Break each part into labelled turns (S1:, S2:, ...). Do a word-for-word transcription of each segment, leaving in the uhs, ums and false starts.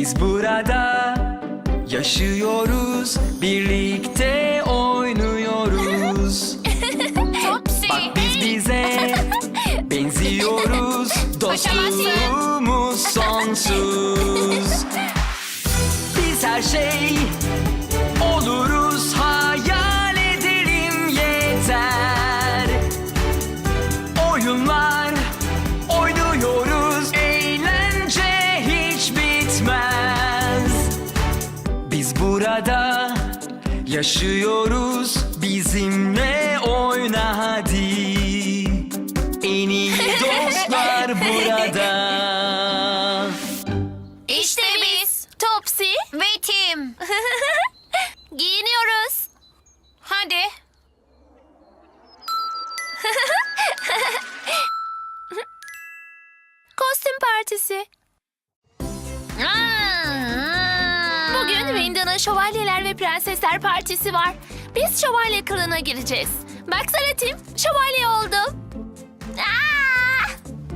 S1: Biz burada yaşıyoruz, birlikte oynuyoruz.
S2: Topsy.
S1: Bak biz bize benziyoruz, dostluğumuz sonsuz. Biz her şey oluruz, hayal edelim yeter. Oyunlar oynuyoruz, eğlence hiç bitmez. Biz burada yaşıyoruz, bizimle oyna hadi. En iyi dostlar burada.
S2: İşte biz. Topsy. Ve Tim. Giyiniyoruz. Hadi. Kostüm partisi. Bugün Winda'nın Şövalyeler ve Prensesler Partisi var. Biz şövalye kılığına gireceğiz. Baksana Tim, şövalye oldum. Aa!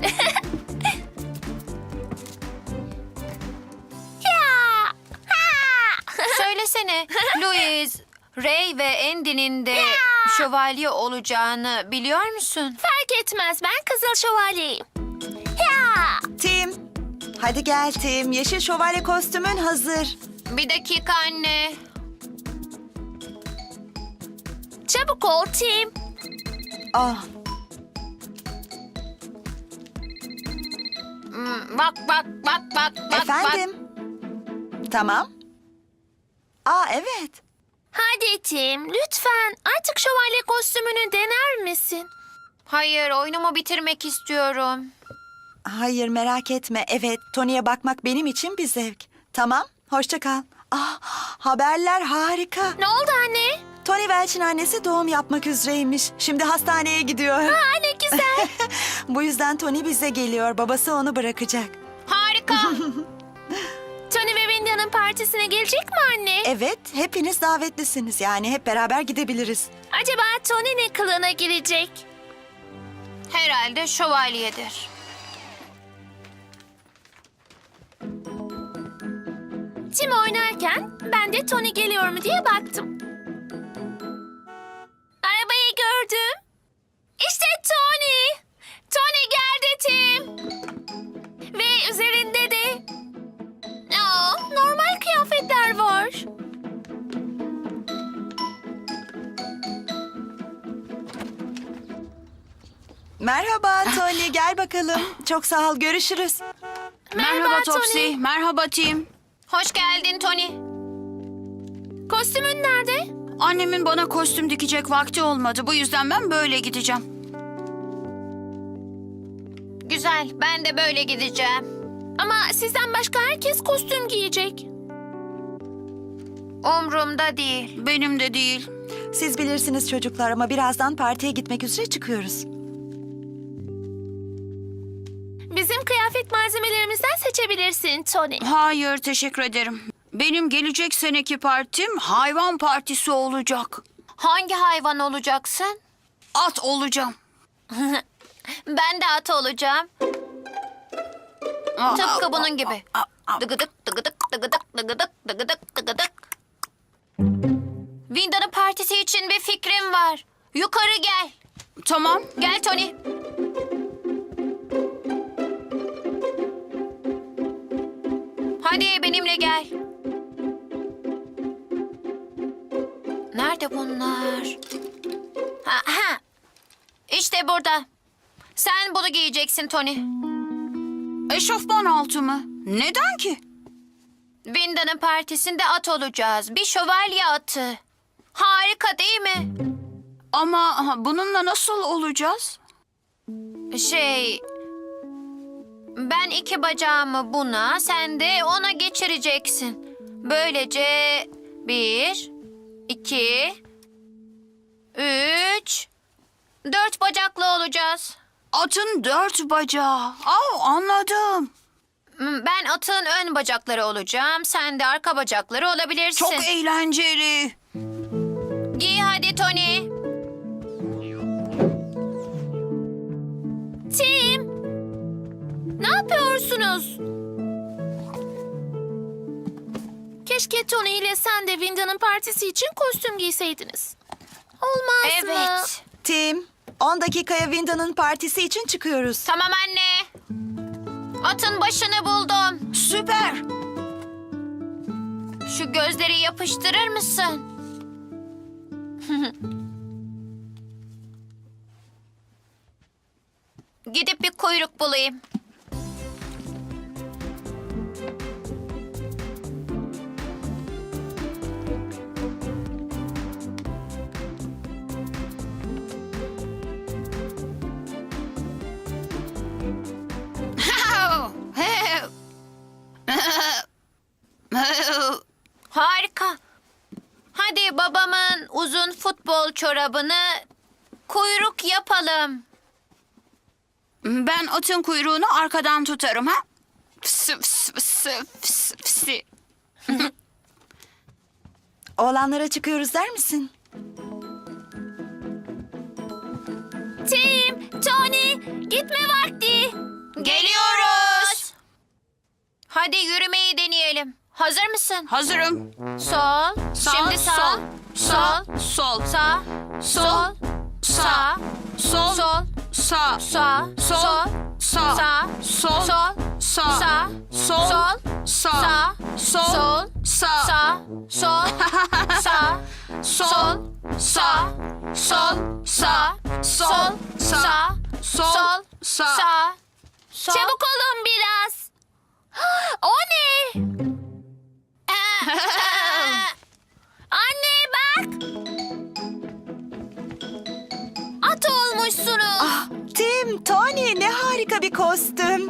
S2: Ya! Ha!
S3: Söylesene, Louise, Ray ve Andy'nin de şövalye olacağını biliyor musun?
S2: Fark etmez, ben Kızıl Şövalyeyim. Ya!
S4: Tim, hadi gel Tim. Yeşil şövalye kostümün hazır.
S3: Bir dakika anne.
S2: Çabuk ol Tim.
S4: Ah,
S3: Hmm, Bak bak bak bak bak.
S4: efendim. Tamam. Aa, evet.
S2: Hadi Tim, lütfen artık şövalye kostümünü dener misin?
S3: Hayır, oyunumu bitirmek istiyorum.
S4: Hayır, merak etme. Evet, Tony'ye bakmak benim için bir zevk. Tamam, hoşça kal. Ah, haberler harika.
S2: Ne oldu anne?
S4: Tony Welch'in annesi doğum yapmak üzereymiş. Şimdi hastaneye gidiyor.
S2: Aa, ne güzel.
S4: Bu yüzden Tony bize geliyor. Babası onu bırakacak.
S3: Harika.
S2: Tony ve Winda'nın partisine gelecek mi anne?
S4: Evet, hepiniz davetlisiniz. Yani hep beraber gidebiliriz.
S2: Acaba Tony ne kılığına girecek?
S3: Herhalde şövalyedir.
S2: Tim oynarken ben de Tony geliyor mu diye baktım. Arabayı gördüm. İşte Tony. Tony geldi Tim. Ve üzerinde de Aa, normal kıyafetler var.
S4: Merhaba Tony, gel bakalım. Çok sağ ol, görüşürüz.
S2: Merhaba,
S5: Topsy.
S2: Tony.
S5: Merhaba Tim.
S3: Hoş geldin Tony.
S2: Kostümün nerede?
S5: Annemin bana kostüm dikecek vakti olmadı. Bu yüzden ben böyle gideceğim.
S3: Güzel, ben de böyle gideceğim.
S2: Ama sizden başka herkes kostüm giyecek.
S3: Umrumda değil.
S5: Benim de değil.
S4: Siz bilirsiniz çocuklar ama birazdan partiye gitmek üzere çıkıyoruz.
S2: Bizim kıyafet malzemelerimizden seçebilirsin Tony.
S5: Hayır, teşekkür ederim. Benim gelecek seneki partim hayvan partisi olacak.
S3: Hangi hayvan olacaksın?
S5: At olacağım.
S3: Ben de at olacağım. Tıpkı bunun gibi. Dıgıdık dıgıdık dıgıdık dıgıdık dıgıdık dıgıdık. Winda'nın partisi için bir fikrim var. Yukarı gel.
S5: Tamam.
S3: Gel Tony. Hadi benimle gel. Nerede bunlar? Ha, ha. İşte burada. Sen bunu giyeceksin Tony.
S5: Eşofman altı mı? Neden ki?
S3: Winda'nın partisinde at olacağız. Bir şövalye atı. Harika değil mi?
S5: Ama bununla nasıl olacağız?
S3: Şey... Ben iki bacağımı buna, sen de ona geçireceksin. Böylece bir, iki, üç, dört bacaklı olacağız.
S5: Atın dört bacağı. Aa, anladım.
S3: Ben atın ön bacakları olacağım, sen de arka bacakları olabilirsin.
S5: Çok eğlenceli.
S3: Giy hadi Tony.
S2: Tim! Ne yapıyorsunuz? Keşke Tony ile sen de Winda'nın partisi için kostüm giyseydiniz. Olmaz mı?
S3: Evet.
S4: Tim, on dakikaya Winda'nın partisi için çıkıyoruz.
S3: Tamam anne. Atın başını buldum.
S5: Süper.
S3: Şu gözleri yapıştırır mısın? Gidip bir kuyruk bulayım. Harika. Hadi babamın uzun futbol çorabını kuyruk yapalım.
S5: Ben atın kuyruğunu arkadan tutarım ha. Fısı fısı fısı fısı fısı.
S4: Oğlanlara çıkıyoruz der misin?
S2: Tim, Tony, gitme vakti.
S3: Geliyoruz. Hadi yürümeyi deneyelim. Hazır mısın?
S5: Hazırım.
S3: Sol.
S5: Sağ,
S3: Şimdi sağ.
S5: sol,
S3: Sol.
S5: Sol.
S3: Sağ. Sol. Sağ.
S5: Sol.
S3: Sol.
S5: Sağ.
S3: Sağ.
S5: Sol. Sağ.
S3: Sağ.
S5: Sol.
S3: Sol.
S5: Sağ.
S3: Sağ.
S5: Sol.
S3: Sol.
S5: Sağ.
S3: Sağ.
S5: Sol.
S3: Sağ.
S5: Sağ.
S3: Sağ. Sağ.
S5: Sol.
S3: Sol.
S5: Sağ.
S3: Sol.
S5: Sol.
S3: Sağ.
S5: Sağ.
S3: Sol.
S5: Sol.
S3: Sağ.
S5: Sağ.
S3: Sağ. Sol.
S2: Çabuk olun biraz. O ne? Anne bak. At olmuşsunuz.
S4: Ah, Tim, Tony ne harika bir kostüm.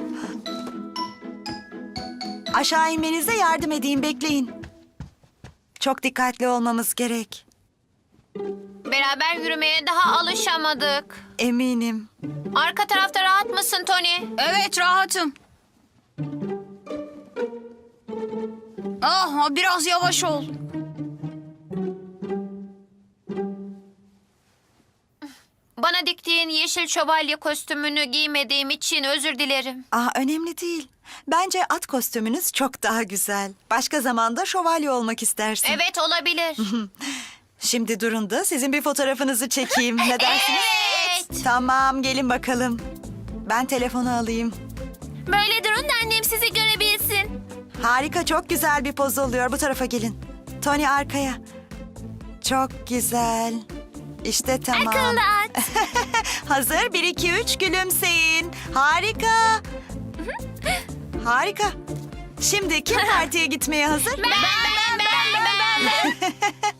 S4: Aşağı inmenize yardım edeyim, bekleyin. Çok dikkatli olmamız gerek.
S3: Beraber yürümeye daha alışamadık.
S4: Eminim.
S3: Arka tarafta rahat mısın Tony?
S5: Evet, rahatım. Ah, biraz yavaş ol.
S3: Bana diktiğin yeşil şövalye kostümünü giymediğim için özür dilerim.
S4: Ah, önemli değil. Bence at kostümünüz çok daha güzel. Başka zamanda şövalye olmak istersin.
S3: Evet olabilir.
S4: Şimdi durun da sizin bir fotoğrafınızı çekeyim. Ne dersiniz?
S3: Evet.
S4: Tamam, gelin bakalım. Ben telefonu alayım.
S2: Böyle durun da annem sizi görebilsin.
S4: Harika, çok güzel bir poz oluyor. Bu tarafa gelin. Tony arkaya. Çok güzel. İşte tamam.
S2: Akıllı at.
S4: Hazır. Bir, iki, üç, gülümseyin. Harika. Harika. Şimdi kim partiye gitmeye hazır?
S2: Ben, ben, ben, ben, ben.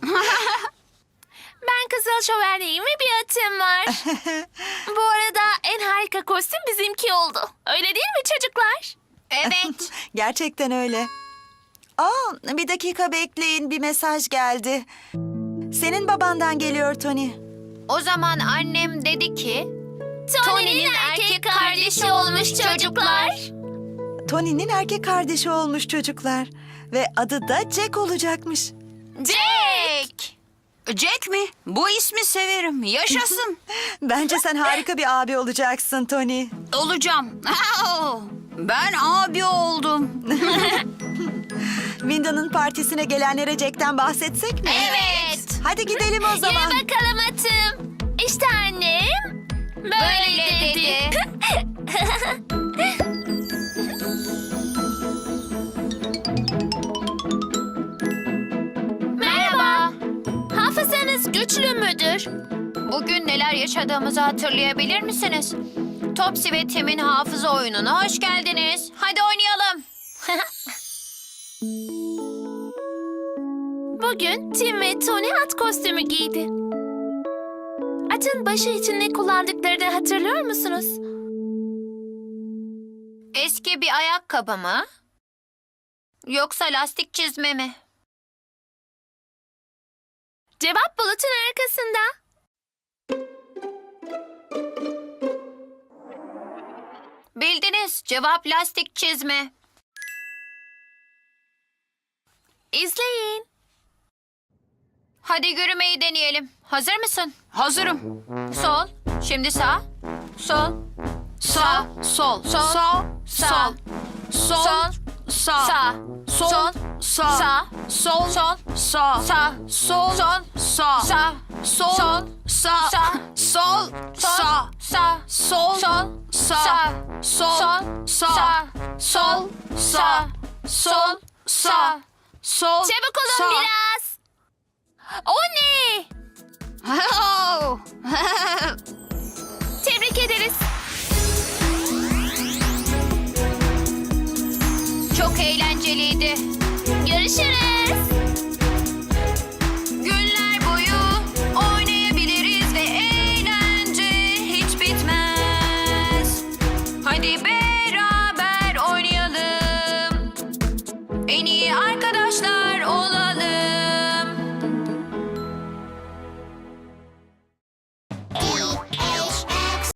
S2: Ben Kızıl Şövalye'yim ve bir atım var. Bu arada en harika kostüm bizimki oldu. Öyle değil mi çocuklar?
S3: Evet.
S4: Gerçekten öyle. Aa, bir dakika bekleyin. Bir mesaj geldi. Senin babandan geliyor Tony.
S3: O zaman annem dedi ki...
S2: Tony'nin erkek kardeşi olmuş çocuklar.
S4: Tony'nin erkek kardeşi olmuş çocuklar. Ve adı da Jack olacakmış.
S3: Jack!
S5: Jack mi? Bu ismi severim. Yaşasın.
S4: Bence sen harika bir abi olacaksın Tony.
S5: Olacağım. Ben abi oldum.
S4: Winda'nın partisine gelenlere Jack'ten bahsetsek mi?
S3: Evet.
S4: Hadi gidelim o zaman.
S2: Yürü bakalım atım. İşte annem. Böyle,
S3: Böyle
S2: dedi.
S3: dedi.
S2: Merhaba. Hafızanız güçlü müdür?
S3: Bugün neler yaşadığımızı hatırlayabilir misiniz? Topsy ve Tim'in hafıza oyununa hoş geldiniz. Hadi oynayalım.
S2: Bugün Tim ve Tony at kostümü giydi. Atın başı için ne kullandıklarını hatırlıyor musunuz?
S3: Eski bir ayakkabı mı? Yoksa lastik çizme mi?
S2: Cevap bulutun arkasında.
S3: Bildiniz. Cevap lastik çizme.
S2: İzleyin.
S3: Hadi yürümeyi deneyelim. Hazır mısın?
S5: Hazırım.
S3: Sol. Şimdi sağ. Sol.
S5: Sağ, sol,
S3: Sol.
S5: sağ,
S3: Sağ.
S5: sol, sol,
S3: Sol.
S5: sağ,
S3: Sağ.
S5: sol,
S3: Sol.
S5: sağ,
S3: Sağ.
S5: sol,
S3: Sol.
S5: sağ,
S3: Sağ.
S5: sol,
S3: Sol.
S5: sağ,
S3: Sağ.
S5: sol,
S3: Sol.
S5: sağ,
S3: Sağ.
S5: sol, sağ,
S3: Sağ.
S5: sol,
S3: Sol.
S5: sağ,
S3: Sağ.
S5: sol,
S3: Sol.
S5: sağ,
S3: Sağ.
S5: sol, sağ, sol, sağ, sol,
S2: Çabuk olun
S5: sağ.
S2: biraz. O ne?
S5: Oh.
S2: Tebrik ederiz.
S3: Çok eğlenceliydi.
S2: Görüşürüz.